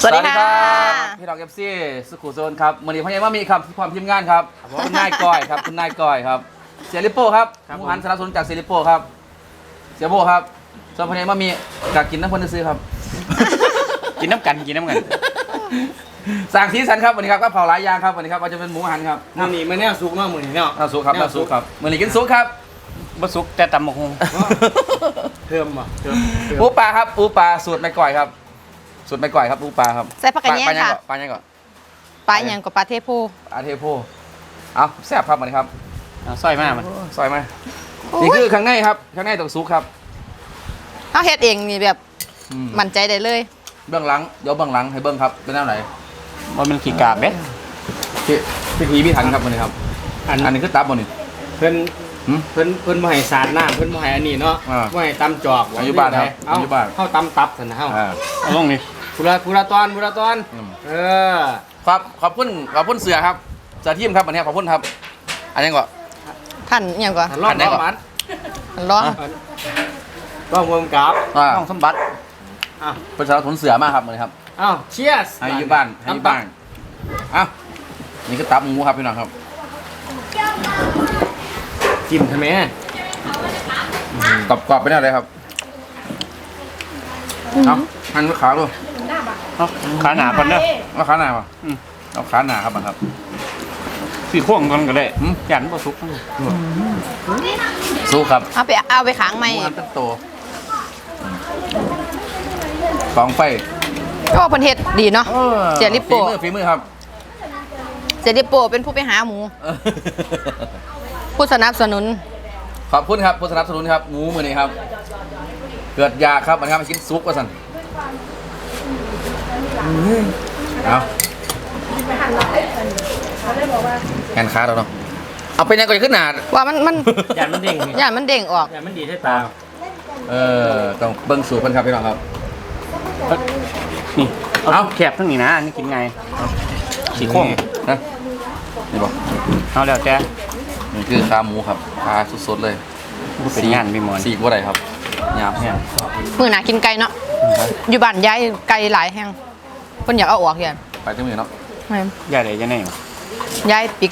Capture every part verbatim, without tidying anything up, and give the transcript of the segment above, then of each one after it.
สวัสดีค่ะพี่น้องเอฟซีสุขุโซนครับมือนี้พ่อใหญ่ว่ามีครับความทีมงานครับคุณนายก้อยครับคุณนายก้อยครับเสียริโป้ครับหมูหันสนับสนุนจากเสียริโป้ครับเสียโบครับส่วนพ่อใหญ่ว่ามีกากินน้ำพนซื้อครับกินน้ำกันกินน้ำกันสั่งสีสันครับวันนี้ครับก็เผาหลายอย่างครับวันนี้ครับว่าจะเป็นหมูหันครับมื้อนี้มันแนวสุกเนาะมื้อนี้เนาะน้ำซุปครับน้ำซุปครับมือนี้กินซุปครับบะสุกแต่ตำมะฮงเพิ่มบ่เพิ่มเพิ่มปูปลาครับปูปลาสูตรแม่ก้อยครับสูตรแม่ก้อยครับปูปลาครับใส่ผักกระเนียงค่ะปลาเนี่ยก่อนปลาอย่างกับปลาเทโพปลาเทโพเอาแซ่บครับวันนี้ครับเอาสร้อยมามันซอยมานี่คือข้างในครับข้างในต้องซุปครับเขาเฮ็ดเองนี่แบบอืมมั่นใจได้เลยเบื้องหลังเดี๋ยวเบื้องหลังให้เบื้องครับเป็นแนวไหนว่ามันขี้กาบเด้พี่พี่พีพี่ทันครับวันนี้ครับอันอันนี้คือตับวันนี้เพิ่นหืมเพิ่นเพิ่นบ่ให้สาดน้ำเพิ่นบ่ให้อันนี้เนาะอ่าบ่ให้ตำจอกอายุบ้านครับเอ้าอายุบ้านเฮาตำตับซั่นนะเฮาอ่าเอาลงนี่ผู้ละผู้ละตอนผู้ละตอนอืมเออครับขอบคุณขอบคุณเสือครับเสือทีมครับวันนี้ขอบคุณครับ อันนี้ก่อนท่านอหย่างก่อนหันรอบอันไหนรอบก่อนมันท่านร้องต้องวงกับอ่าสมบัติอ้าวเป็นสารทุนเสือมากครับวันนี้ครับอ้าวเชียร์ให้อยูบ้านให้อยูบ้านเอ้านี่คือตับหมูครับพี่น้องครับจิ้มทำไมกรอบกรอบๆไปแน่เลยครับเอาหั่นไว้ขาดูเอาขาหนาก่อนเด้อเอาขาหนาป่ะอืมเอาขาหนาครับมันครับสี่ข้วงก่อนก็ได้หืมยันบะสุกสู้ครับเอาไปเอาไปขังหไหมมูหันเป็นโตฟองไฟก็ว่าเพิ่นเฮ็ดดีเนาะ เสียริโป้ฝีมือฝีมือครับเจดิโปเป็นผู้ไปหาหมู ผู้สนับสนุนขอบคุณครับผู้สนับสนุนครับหมูมือนี้ครับ เกิดยาครับมันครับมากินซุปว่าสันเอาแขนขาเราเนาะเอาไปยังก่อนขึ้นหนาว่ามันมันยันมันเด้งย่านมันเด้งออกยันมันดีให้ตาเออต้องเบิ้งสูตรเพิ่นครับพี่น้องครับนี่เอาเอาแคบทั้งนี้นะอันนี่กินไงสี่ข้วงนะนี่บอกเอาแล้วแต่นี่คือขาหมูครับขาสดๆเลยเป็นงานพี่หมอนสีกว่าไรครับยามแห้งมื้อหน้ากินไก่เนาะ อยู่บ้านย้ายไก่หลายแฮงเพิ่นอยากเอาออกเฮียนไปจังมือเนาะแม่นย่าได้จะไหนวะย้ายปิก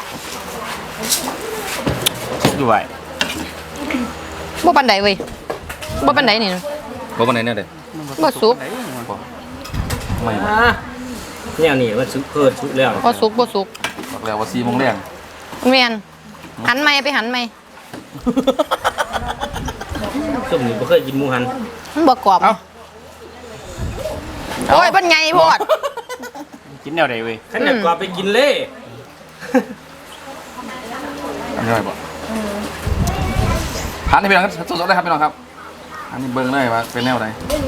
อยู่ไหวบ่ปานใดเว้ยบ่ปานใดนี่บ่วันไหนเนี่ยเด็บ่สุกไม่อ่าเนี่ยนี่มันสุกเพิ่นสุกแล้วบ่สุกบ่สุกบอกแล้วว่าสี่โมงแรงแม่นหันไหมไปหันไหมส้มนี่บ่เคยกินหมูหันมันบ่กรอบเอ้าโอ้ยมันใหญ่โพดกินแนวใดเว้ยขันอยากกว่าไปกินเล่อันนี้อะไรบ่หันให้พี่น้องครับสดๆเลยครับพี่น้องครับอันนี้เบิ้งเลยว่าเป็นแนวไหน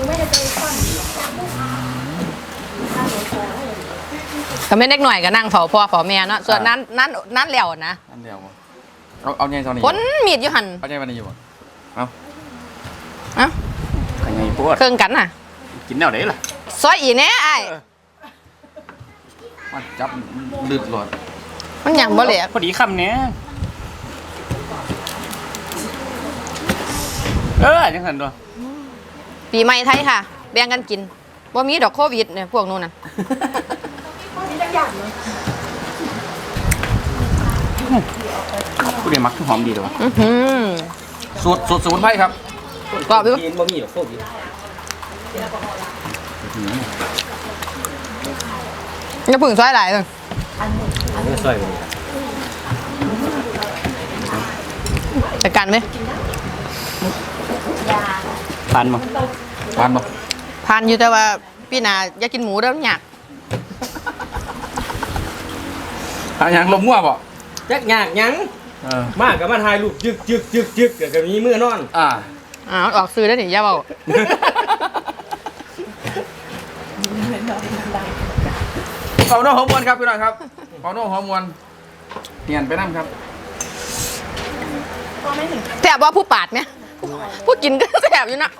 ก็ไม่เล็กหน่อยก็นั่งเฝ้าพ่อเฝ้าแม่เนาะส่วนนั้นนั้นนั้นแล้วนะอันเดียวบ่เอาเอาเนี่ยตอนนี้คนมีดอยู่หั่นเอาเนี่ยวันนี้อยู่บ่เอาเอ้าขันไงปวดเครื่องกันน่ะกินแนวใดล่ะซอยอีแน่อ้ายมาจับลืดหลอดมันหยังบ่เหลยพอดีคำเนี้ยเออจังสันตัวปีใหม่ไทยค่ะ แบ่งกันกินบ่มีดอกโควิดเนี่ยพวกนู้นน่ะผู้เรียนมักหอมดีเลยวะอื้อหือสูตรสูตรสมุนไพรครับกรอบอยู่กินบ่มีหรอกโควิดอย่าพึ่งซอยหลายเลยไม่ซอยบ่จัดการไหมปานมั้งหวานบ่ผ่านอยู่แต่ว่าพี่นาอยากกินหมูแล้วอยากทางยังลมงัวบ่จักยากหยังเออมากก็มาถ่ายรูปจึกจึกจึกจึกเดี๋ยวก็มีมือนอนอ่าอ้าวออกซื้อได้วนี่อย่าเว้าเผาโน่หอมมวนครับพี่น้องครับเผาโน่หอมมวนเปลี่ยนไปน้ำครับแซ่บว่าผู้ปาดไหมผู้กินก็แซ่บอยู่นะ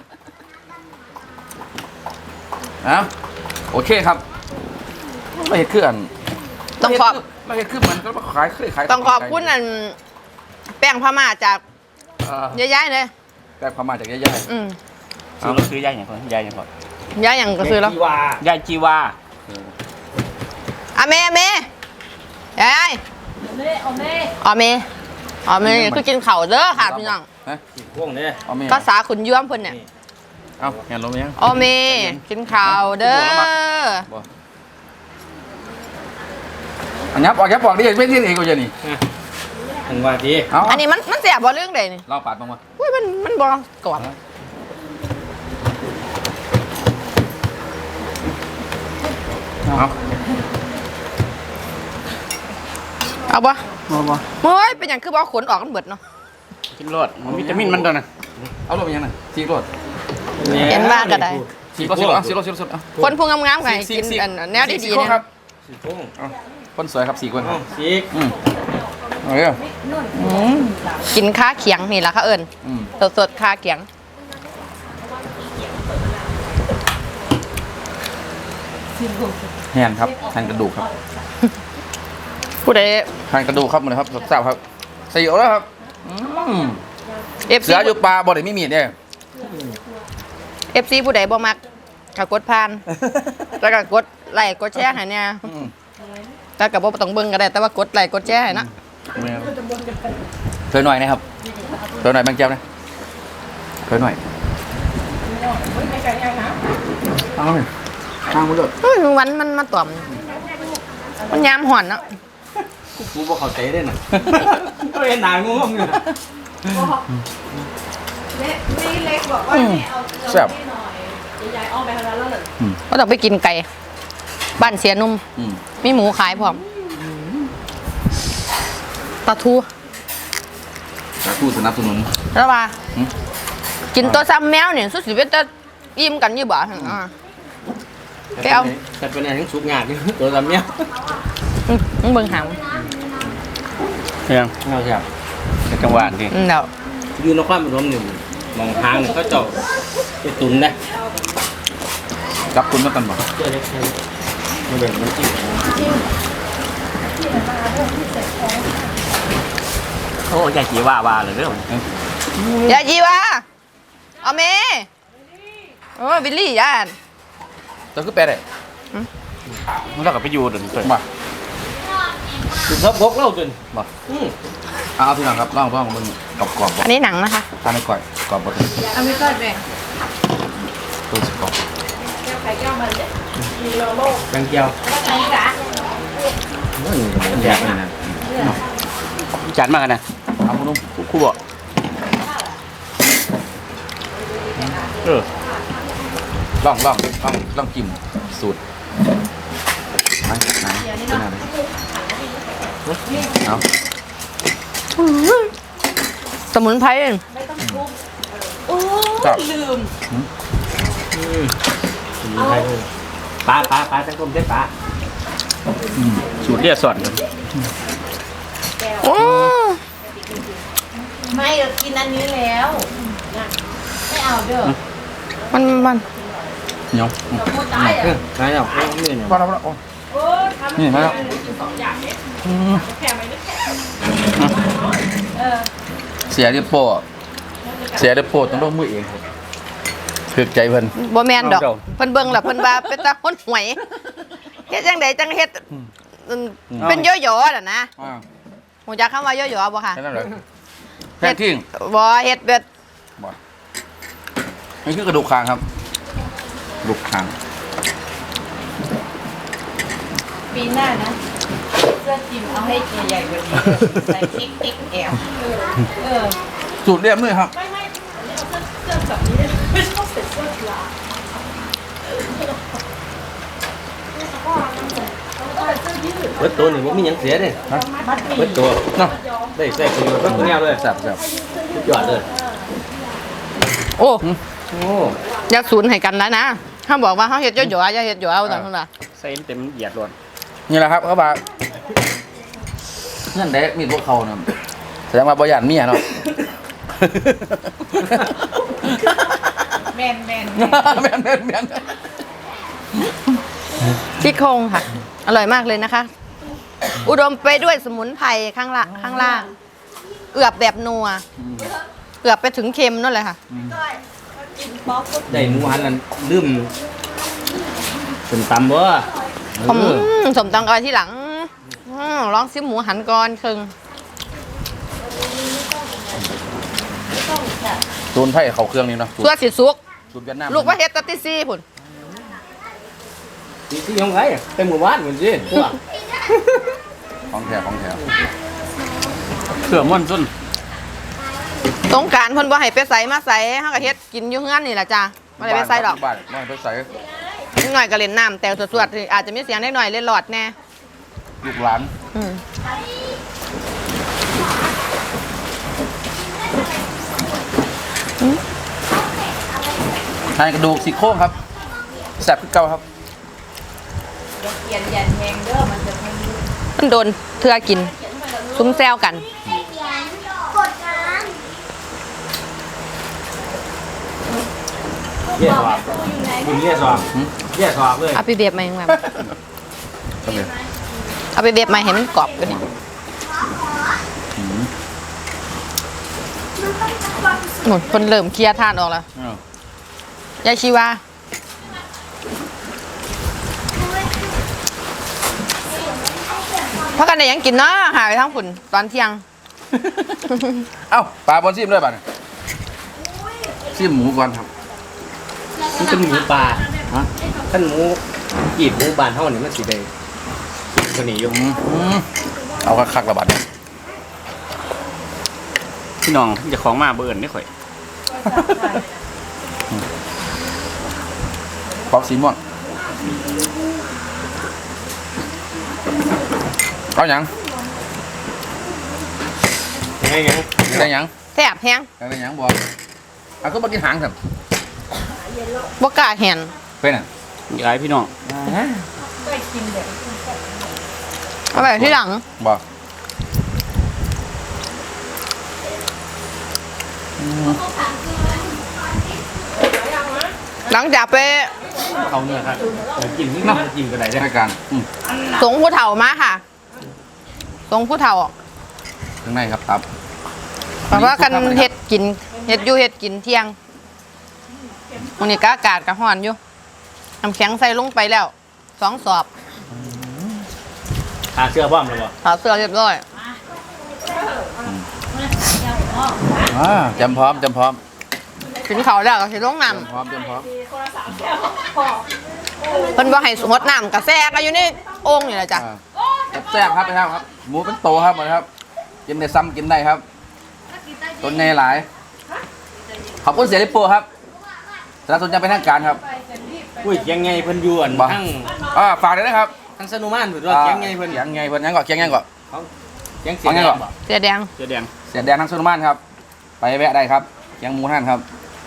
นะโอเคครับไม่เห็นเครื่องต้องขอบไม่เห็นเครื่องเหมือนก็ขายเคยขายต้องขอบคุณอันแป้งพม่าจากเอ่อยายๆเลยแต่พม่าจากย่ายอืมซื้อเราซื้อยายอย่างก่อนยายอย่างก่อนยายอย่างก็ซื้อแล้วที่ว่ายายจีวาอาเมอาเมยายอเมอเมอเมคือกินเข่าวเด้อค่ะพี่น้องฮะสี่พวงเนี่ยเอาเมียภาษาขุนย้วมเพิ่นเนี่ยเอาเห็นลงไหมยังอเมกินข้าวเด้อบ่อันยับออกยับออกดิไม่ที่ไหนกูจะนี่ถึงว่าทีเอาอันนี้มันมันเสียบ่เรื่องใดนี่เราปาดบ้างวะอุ้ยมันมันบ่กรอบเอาเอาบ่บ่บ่เฮ้ยเป็นหยังคือบ่เอาขนออกกันเบิดเนาะกินรสมันวิตามินมันตัวน่ะเอาลงไปยังไงสีรถเห็นว่าก็ได้สีรถสีรถสีรถสีรถเอาคนพุงงามๆไงกินอันแนวดีสีๆคนเนี่ยครับสี่พวงเอาคนสวยครับสี่คนเอ้าสีกอืมเอาเลยอืมกินข้าเขียงนี่ล่ะค่ะเอิ้นอืมสดๆข้าเขียงแฮนครับแฮนกระดูกครับผู้ใดแฮนกระดูกครับหมดเลยครับสดๆครับใส่อยู่แล้วครับอืมเอฟเสืซีออยู่ปลาบ่ได้มีมีดเนี่ยเอฟซีผู้ใดบ่มักก็กดผ่านแล้วก็กดไลค์กดแชร์ให้เนี่ยอืมแต่ก็บ่ต้องเบิ่งก็ได้แต่ว่ากดไลค์กดแชร์ให้นะเคยหน่อยนะครับเคยหน่อยแบงค์เจ้านะเคยหน่อยเอาเลยทางมันเลยเฮ้ยวันมันมาต่อมมันยามห่อนเนาะกูบอกเขาเตะได้น่ะก็เห็นหนางงๆอยู่แซ่บก็ต้องไปกินไก่บ้านเสียนุ่มอืมมีหมูขายพร้อมปลาทูสาธุสนับสนุนแล้วว่าหืมกินตัวซ้ำแมวเนี่ยสุดสิเป็นจะอิ่มกันอยู่บ่อ่า ไปเอาแต่เป็นอะไรทั้งสุกงาดอยู่ตัวลำเนี้ยอืมมึงเบิ่งหางเพียงเอาใช่เป็นจังหวะที่อืมเดี๋ยวอยู่นครปฐมนี่มองทางนี่เขาเจาะไปตุนนะจับคุณมากันบ่เจอเล็กมันเป็นมันจิ้มโอ้ยายจีว่าว่าเลยเด้ออย่าจีวะเอาเมโอ้บิลลี่ย่านจะคือแปลได้มันเราก็ไปอยู่เดินเคยบ่ตุนทับบกเล่าจนบ่อืมเอาพี่น้องครับลองลองมึงกรอบกรอบๆบ่อันนี้หนังนะคะทานให้ก่อยกรอบบ่ถึงเอาไม่ก็เลยตัวสิกรอบแบงเกียวแยกนี่นะจานมากกันนะเอาคุณนุ่มครูบอกเออลองลองลองลองกินสูตรไหนไหนเป็นอะไรเอาสมุนไพรจับปลาปลาปลาจังกลมได้ปลาสูตรเรียกสอนเลยโอ้ไม่เรากินอันนี้แล้วไม่เอาเด้อมันมันเหนียวพูดตายอ่ะเออใช่แล้วนี่เนี่ยพอแล้วพอแล้วโอ้โอ้ทำนี่มาแล้วกินสองอย่างเนี่ยอืมแค่ไหมนึกแค่เออเสียดิโป้เสียดิโป้ต้องลงมือเองครับถึกใจเพิ่นบ่แมนดอกเพิ่นเบิ่งแล้วเพิ่นว่าเป็นตาคนหวยเฮ็ดจังไดจังเฮ็ดอืมเป็นย่อยๆน่ะนะอ่าฮู้จักคำว่าย่อยๆบ่ค่ะแค่นั้นเลยแค่ทิ้งบ่เฮ็ดเบ็ดบ่นี่คือกระดูกคางครับกระดูกคางปีหน้านะเสื้อจิมเอาให้ใหญ่ๆกว่านี้ใส่ติ๊กติ๊กแอลเออสูตรเรียบเลยครับไม่ไม่เอาเสื้อเสื้อแบบนี้ไม่ชอบใส่เสื้อกีฬาเบิดตัวนี่มันมีหยังเสียเลยมัดหมี่เบิดตัวเนาะได้ใส่ประโยชน์ก็ตัวเนี้ยเลยแซ่บแซ่บสุดยอดเลยโอ้โอ้อย่าสูญให้กันแล้วนะถ้าบอกว่าเฮาเฮ็ดย่อยๆอย่าเฮ็ดย่อยเอาตอนนั้นล่ะใส่เต็มเหยียดรวนนี่แหละครับเขาบอกเงื่อนเด็กมีพวกเขาเนี่ยแสดงว่าบริยานเมียเนาะแมนแมนแม่นแม่นแม่นซี่โครงค่ะ อร่อยมากเลยนะคะ อุดมไปด้วยสมุนไพรข้างละข้างล่าง เอือบแบบนัวเอือบไปถึงเค็มนั่นเลยค่ะได้หมูหันนั่นลืมเป็นตำบ่ผมสมตังกอยที่หลังอืมลองซิมหมูหันก่อนครึ่งตูนไผ่เขาเครื่องนี่เนาะตัวสิสุกสูตรเวียดนามลูกว่าเฮ็ดตัดติซี่พุ่นที่ที่ยังไงเต็มหมู่บ้านเหมือนสิพวกของแท้ของแท้เสือม่อนส้นสงกรารเพิ่นบ่ให้ไปใส่มาใส่เฮาก็เฮ็ดกินอยู่เฮือนนี่ล่ะจ้าบ่ได้ไปใส่ดอกบ้านไม่ไปใส่นิดหน่อยก็เล่นน้ำแต่สวดๆอาจจะมีเสียงนิดหน่อยเล่นหลอดแน่ลูกหลานอืมทานกระดูกซี่โครงครับแซ่บขึ้นเก่าครับเขียนยันแหงเด้อมันจะไม่รู้มันโดนเทือกิน ซุ้มแซวกันเยี่ยสอบมึงเยี่ยสอบเยี่ยสอบเลยเอาไปเบียบมาอย่างแบบครับเนี่ยเอาไปเบียบมาให้มันกรอบกันนี่หนุนคนเริ่มเคลียร์ทานออกแล้วอ้าวยายชีวาพักกันได้หยังกินเนาะหาไปทั้งฝุ่นตอนเที่ยงเอ้าปลาบอลซิมด้วยป่ะเนี่ยซิมหมูก่อนครับมันเป็นหมูป่าฮะท่านหมูกีบหมูบานเท่านี้มันสีแดงตัวนี้อยู่อืมอืมเอาคักๆระบาดเนี่ยพี่น้องเจะของมาเบิ่นได้ข่อยป๊อปซีม่วงเอาหยังยังไงยังได้หยังแซ่บแฮงได้หยังบอกเอาก็มากินหางสิบ่กล้าแหนเป็นอ่ะย้ายพี่น้องเอาไปที่หลังบอกหลังจากไปเขาเนื้อครับกินนี่มันกินกันไหนได้รายการอืมสงผู้เฒ่ามาค่ะสงผู้เฒ่าข้างในครับตับเพราะว่ากันเฮ็ดกินเฮ็ดอยู่เฮ็ดกินเที่ยงวันนี้ก็อากาศก็ร้อนอยู่น้ำแข็งใส่ลงไปแล้วสองสอบหาเสื้อบ้อมเลยวะถอดเสื้อเรียบร้อยอ่าจำพร้อมจำพร้อมกินข้าวแล้วก็สิลงน้จำพร้อมจำพร้อมำเพิ่นบ่ให้สงดน้ำกาแฟก็อยู่ในโอ่งนี่แหละจ้ะอ่าแซ่บๆครับไปครับครับ หมูเป็นโตครับหมดครับ กินได้ซ้ำกินได้ครับต้นในหลาย ขอบคุณเสียริโป้ครับสนับสนุนจะเป็นทางการครับอุ้ยยังไงเพิ่นยวนบ่ทั้งอ่าฝากด้วยนะครับทั้งสนุมานเพิ่นว่ายังไงเพิ่นเสียงไงเพิ่นยังก่อนเสียงยังก่อนยังเสียงเอาไงก่อนบ่เสื้อแดงเสื้อแดงเสียแดงทั้งสุนมานครับ ไปแวะได้ครับเสียงหมูท่านครับ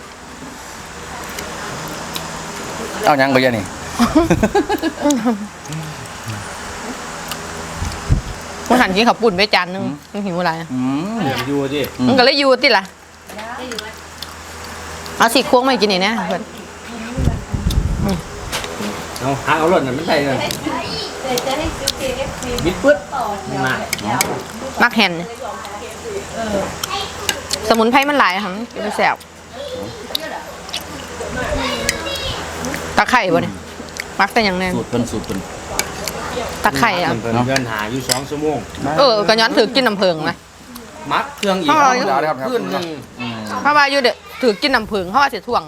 เอายังไปยังนี่มันหันกินข้าวปุ่นไปจานหนึงมันหิวอะไรอืมเหลืองอยู่สิอืมมันก็เลยอยู่ติล่ะเอาสิโค้งมากินนี่นะเพิ่นเอาหาเอารถน่ะมันได้เลยเดี๋ยวจะให้ซื้อ เค เอฟ ซีบิดปึ๊ดต่อมามักแฮนสมุนไพรมันหลายค่ะมันกินไปแซ่บตะไคร่บ่เนี่ยมักแต่อย่างแน่สูตรเป็นสูตรเป็นตะไคร่อ่ะเพิ่นเดินหาอยู่สองชั่วโมงเออก็ย้อนถือกินน้ำเพิงนะมัดเครื่องอีกเอาเอาเอาเลยครับขึ้นหนึงอืมเพราะว่าอยู่เด้อถือกินน้ำเพิงเพราะว่าสิถ่วง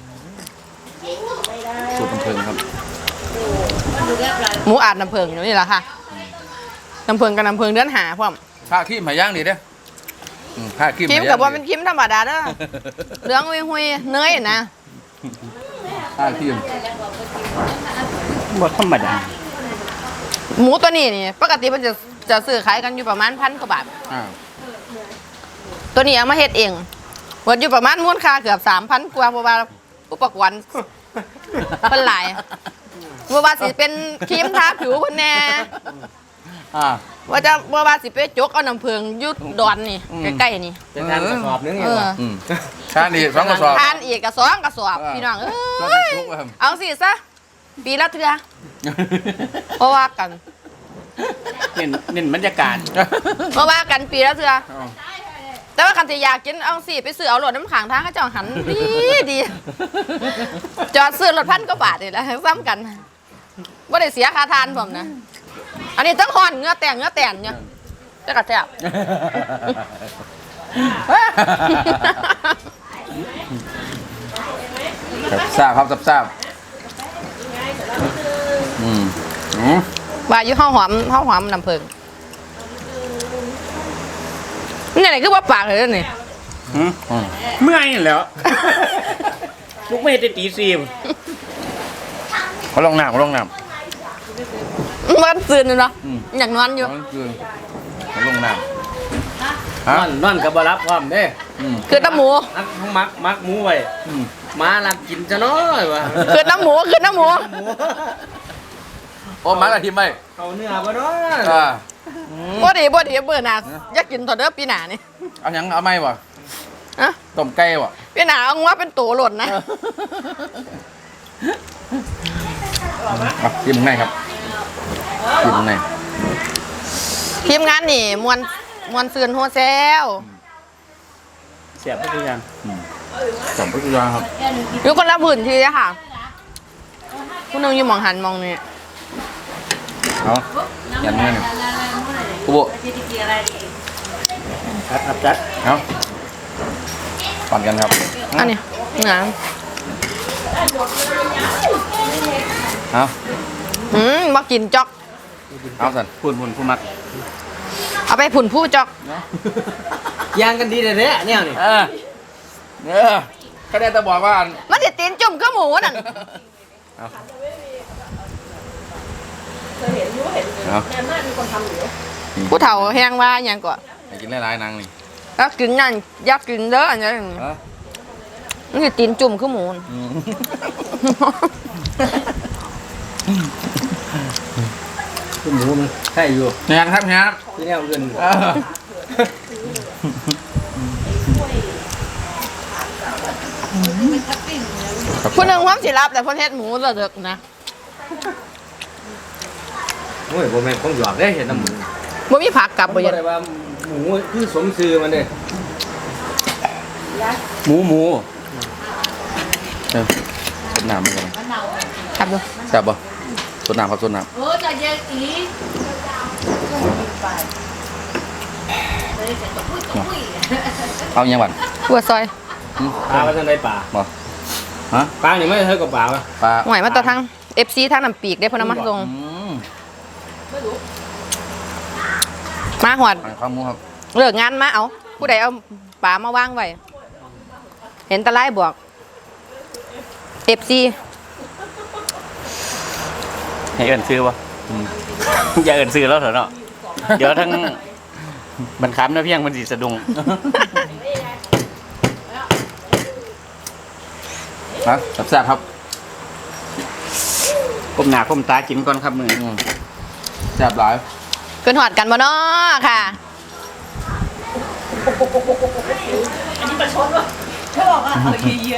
สูตรเป็นเพลิงครับหมูอาดน้ำเพิงอยู่นี่แหละค่ะน้ำเพิงกับน้ำเพิงเดือนหาพร้อมผ้าขี้หมาย่างดีเด้ออืมผ้าขี้หคิมาม ย่างกับว่าดีเป็นคิมธรรมดาเด้อเหลืองหุยหุยๆเนยนะผ้าขี้มบ่ธรรมดาหมูตัวนี้นี่ปกติมันจะจะซื้อขายกันอยู่ประมาณพันกว่าบาทอ่าตัวนี้เอามาเฮ็ดเองวัดอยู่ประมาณมูลค่าเกือบสามพันกว่าเพราะว่าอุปกรณ์เพิ่นหลายเพราะว่าสิเป็นครีมทาผิวเพิ่นแน่อ่าว่าจะว่าว่าสิไปจกเอาน้ำเพิงอยุดดอนนี่อืมใกล้ๆนี่เป็นทางกระสอบนึงไงเออวะอืมชานี่สองกระสอบทานอีกกระสองกระสอบอ่าพี่น้องเอก็้จะยชุกครับเอาสิซะปีละเทื่อเพราะว่ากันเน้นเน้นบรรยากาศเพราะว่ากันปีละเทื่อแต่ว่าคันที่อยากกินเอาสิไปซื้อเอารถน้ำขังทางเขาเจ้าหันดีดีจอดซื้อรถพันกว่าบาทนี่แหละซ้ำกันว่าได้เสียค่าทานผมนะ อันนี้ทั้งห่อนเงื้อแต่งเงื้อแต่งเนี่ยจะกระแทบทราบครับทราบอืมอืมว่าอยู่ข้าวหอมข้าวหอมน้ำผึ้งนี่ไหนคือว่าปากเลยนี่หืมอืมเมื่อยนั่นแหล้ว ลูกไม่ได้ตีซีมเขาลงน้ำเขาลงน้ำมันตื่นอยู่เนาะอืมอยากนอนอยู่เขาคืนเขาลงน้ำนฮะอนนอนกับบรับพร้อมเด้อืมคือน้ำหมูนักมักมักหมูไว้อืมมาลักกินจะน้อยวะคือน้ำหมูคือน้ำหมูโอ้มาละทีมไหมเอาเนื้อบ่เนาะอ่าบ่ดีบ่ดีเบื่อหนาอยากกินตอนเด้อปีหนานี่เอาหยังเอาไหมวะอะต้มไก่วะปีหนาเอาว่าเป็นตัวหล่นนะอ่ะทีมไหนครับทีมไหนทีมงานนี่มวนมวนซืนโฮเซลเสียบทุกอย่างสองพฤศจิกายนครับอยู่คนละพื้นที่อะค่ะผู้หนึงอยู่หมองหันมองนี่เอายันเงี้ยหนึ่งกูโบครับครับจัดเอาปั่นกันครับอันนี้งานเอาอืมบ่กินจอกเอาสันพูดพูดผู้มักเอาไปผุ่นผู้จอกยางกันดีเลยเนี่ยเนี่ยนี่เออเออก็ได้แต่บอกว่าอันมันจะตีนจุ่มก็หมูนั่นเอาเอาผู้เฒ่าแหงว่าอย่างก่อนให้กินหลายๆนางนี่แล้วกินนั่นอยากกินเด้ออันนี้เออมันจะตีนจุ่มก็หมูน่ะอืมคือหมูมันใช่อยู่งานครับงานที่แนวอื่นเออผู้หนึงความสิรับแต่คนเฮ็ดหมูสะเดึกนะโอ้ยบ่แม่นของหยอกได้เห็นน้ำหมูบ่มีผักกลับบ่บ่ยันได้ว่าหมูคือสมชื่อมันเด้หมูหมูเออสดน้ำมันกันครับดูแซ่บป่ะสดน้ำครับสดน้โอ้จะเย็นอีำเอาอยังบันหัวซอยปลาว่าจังไดป่าบ่ฮะปลานี่ไม่เท่ากับปลาวะปลาหวยมาต่อทาง เอฟ ซี ทางน้ำปีกได้เพนเอามาส่งอืมมาหอดอันข้าวหมูครับเลิกงานมาเอาผู้ใดเอาปลามาวางไว้เห็นตะไลบวก เอฟ ซีให้เอินซื้อวะอย่าเอินซื้อแล้วเถอะเนาะเดี๋ยวทั้งบรรคับนะเพียงมันสีสะดุงนะแซ่บๆครับก้มหน้าก้มตากินก่อนครับมืออืมแซ่บหลายเกินหอดกันบ่เนาะค่ะเขาบอกว่าเอาเยอะ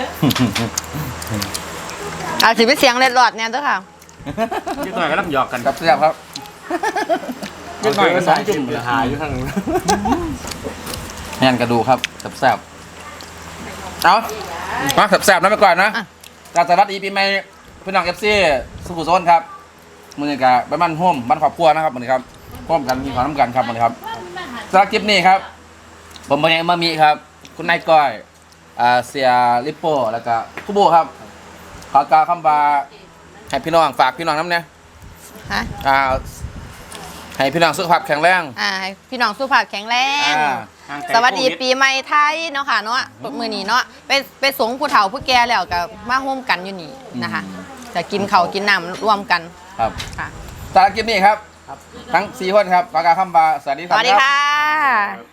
อาจสิเป็นเสียงเล็ดรอดเนี่ยเด้อค่ะนิดหน่อยก็รับหยอกกันครับแซ่บครับนิดหน่อยก็สองจุ่มหาอยู่ทางนู้นแห้งกระดูกครับแซ่บๆเอามาแซ่บๆนะไปก่อนนะอ่ะการสวัสดีปีใหม่พี่น้องเอฟซีสุขุมโซนครับมือนี้กับบ้านโฮมบ้านครอบครัวนะครับมือนี้ครับร่วมกันมีความน้ำกันครับมือนี้ครับสำหรับคลิปนี้ครับ ผมบางอย่างมามีครับ คุณนายก้อยอ่าเสียลิปโป้แล้วก็คุโบครับขอกล่าวคำว่าให้พี่น้องฝากพี่น้องน้ำเนี่ยฮะอ่าให้พี่น้องสุขภาพแข็งแรงอ่าให้พี่น้องสุขภาพแข็งแรงอ่าสวัสดีปีใหม่ไทยเนาะค่ะเนาะมื้อนี้เนาะไปไปสงผู้เฒ่าผู้แก่แล้วก็มาร่วมกันอยู่นี่นะคะจะกินข้าวกินน้ำร่วมกันครับค่ะสำหรับคลิปนี้ครับ ทั้งสี่คนครับขอกล่าวคำว่าสวัสดีคสรับวัสดีค่ะ